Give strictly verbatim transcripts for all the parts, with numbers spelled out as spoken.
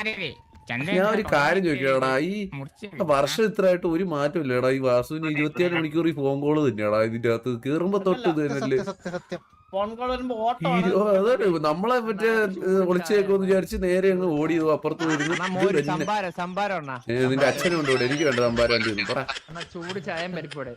ഞാൻ ഒരു കാര്യം ചോദിക്കടാ, ഈ വർഷം ഇത്രയായിട്ട് ഒരു മാറ്റം ഇല്ലടാ. ഈ വാസുവിന് ഇരുപത്തിയേഴ് മണിക്കൂർ ഈ ഫോൺ കോള് തന്നെയാടാ ഇതിന്റെ അകത്ത് കേറുമ്പോ തൊട്ട് തന്നെയല്ലേ. അതെ, നമ്മളെ മറ്റേ ഒളിച്ചേക്കോന്ന് വിചാരിച്ച് നേരെ അങ്ങ് ഓടി അപ്പുറത്ത് വരുന്നു. നിന്റെ അച്ഛനും ഉണ്ട് ഇവിടെ, എനിക്ക് വേണ്ട സംഭാരം വണ്ടി പറ. ചൂട് ചായം പരിപ്പോടെ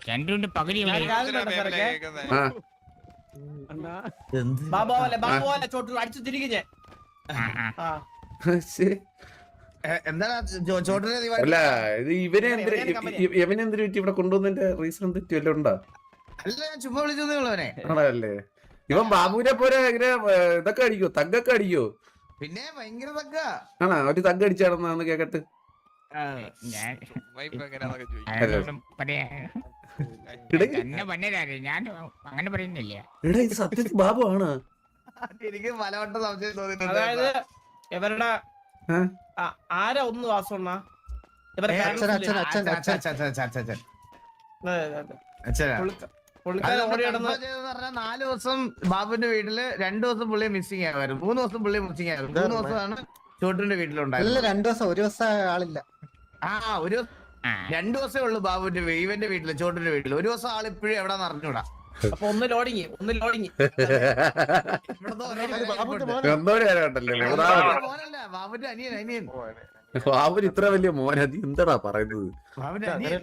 അല്ല ഇത് ഇവനെ എന്തിന് ഇവനെന്തിനു പറ്റി ഇവിടെ കൊണ്ടുവന്നതിന്റെ റീസൺ തെറ്റി വല്ല ഉണ്ടാ? ചുമ്മാ വിളിച്ചതേ ആണല്ലേ. ഇവൻ ബാബുവിനെ പോലെ ഇങ്ങനെ ഇതൊക്കെ അടിക്കോ, തഗ്ഗൊക്കെ അടിക്കോ? പിന്നെ ഭയങ്കര തഗ്ഗ ആണോ? ഒരു തഗ്ഗ് അടിച്ചാണെന്ന് കേക്കട്ട്. അങ്ങനെ പറയുന്നില്ല. എടാ ഇത് സത്യത്തിൽ ബാബു ആണ്. എനിക്ക് പലവട്ടം സംശയം തോന്നിയിട്ടുണ്ട്. അതായത് ഇവരുടെ ആരാ ഒന്ന് വാസണ്ണ നാല് ദിവസം ബാബുവിന്റെ വീട്ടില് രണ്ടു ദിവസം പുള്ളിയെ മിസ്സിംഗ് ആയിരുന്നു, മൂന്ന് ദിവസം പുള്ളിയെ മിസ്സിംഗ് ആയിരുന്നു. മൂന്ന് ദിവസമാണ് ചോട്ടിന്റെ വീട്ടിലുണ്ടായിരുന്നു. രണ്ടു ദിവസം ഒരു ദിവസം ആളില്ല. ആ ഒരു രണ്ടു ദിവസമേ ഉള്ളൂ ബാബുവിന്റെ ഇവന്റെ വീട്ടില്, ചോട്ടിന്റെ വീട്ടില്. ഒരു ദിവസം ആളിപ്പോഴും എവിടെ അറിഞ്ഞൂടാ. അപ്പൊ ഒന്ന് ലോഡിങ് ഒന്ന് ലോഡിങ് ബാബുന്റെ അനിയൻ അനിയൻ ബാബുന് ഇത്ര വലിയ മോൻ, അത് എന്താടാ പറയുന്നത്? ബാബുന്റെ അനിയൻ.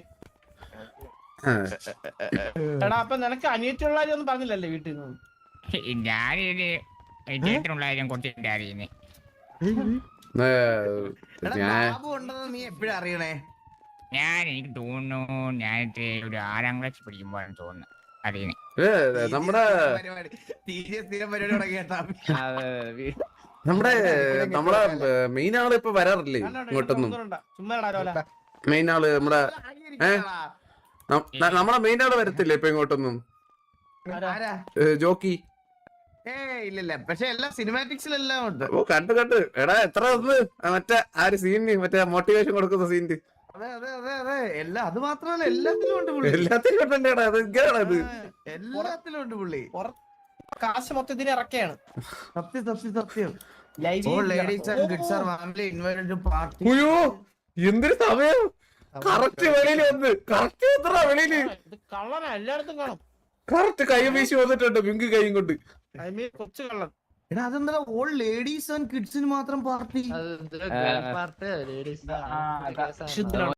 എടാ അപ്പൊ നിനക്ക് അനിയത്തിയുള്ള ഒന്നും പറഞ്ഞില്ലല്ലേ വീട്ടിൽ നിന്ന്? ഞാനൊരു ചേട്ടനുള്ള കാര്യം കുറച്ച് അറിയുന്നേ. ബാബു ഉണ്ടെന്ന് നീ എപ്പോഴും അറിയണേ? ഞാൻ എനിക്ക് തോന്നുന്നു ഞാനിട്ട് ഒരു ആറാം ക്ലാസ് പഠിക്കുമ്പോഴാണ് തോന്നുന്നു അറിയുന്നേ. നമ്മുടെ നമ്മുടെ നമ്മളെ മെയിൻ ആള് ഇപ്പൊ വരാറില്ലേ ഇങ്ങോട്ടൊന്നും? മെയിൻ ആള് നമ്മുടെ നമ്മളെ മെയിൻ ആള് വരത്തില്ലേ ഇപ്പൊ ഇങ്ങോട്ടൊന്നും? ജോക്കി ഏ ഇല്ല, പക്ഷെ എല്ലാ സിനിമാറ്റിക്സിലെല്ലാം ഉണ്ട്. ഓ കണ്ടു കണ്ടു. എടാ എത്ര ഒന്ന് മറ്റേ ആ ഒരു സീനിന് മറ്റേ മോട്ടിവേഷൻ കൊടുക്കുന്ന സീനിന്. അതെ അതെ അതെ അതെ എല്ലാം അത് മാത്രമല്ല എല്ലാത്തിലും ഉണ്ട് പുള്ളി. എല്ലാത്തിലും ഉണ്ടേടാ, അത് ഇങ്ങനെയാണത്. എല്ലാത്തിലും ഉണ്ട് പുള്ളി. കാശ് മൊത്തത്തിന് ഇറക്കിയാണ്. സത്യം സത്യം സത്യം. Ladies and kids are family invited to party. അയ്യോ എന്തൊരു സമയം! കറക്റ്റ് വെളിയില് വന്ന് കറക്റ്റ് എത്ര വെളിയില് കള്ളനാ, എല്ലായിടത്തും കാണും. കറക്റ്റ് കൈ വീശി വന്നിട്ടുണ്ട് പിങ്ക് കൈയും കൊണ്ട്. കൊച്ചു കള്ളൻ. എടാ അതെന്താ ഓൾ ലേഡീസ് ആൻഡ് കിഡ്സിന് മാത്രം പാർട്ടി? പാർട്ടി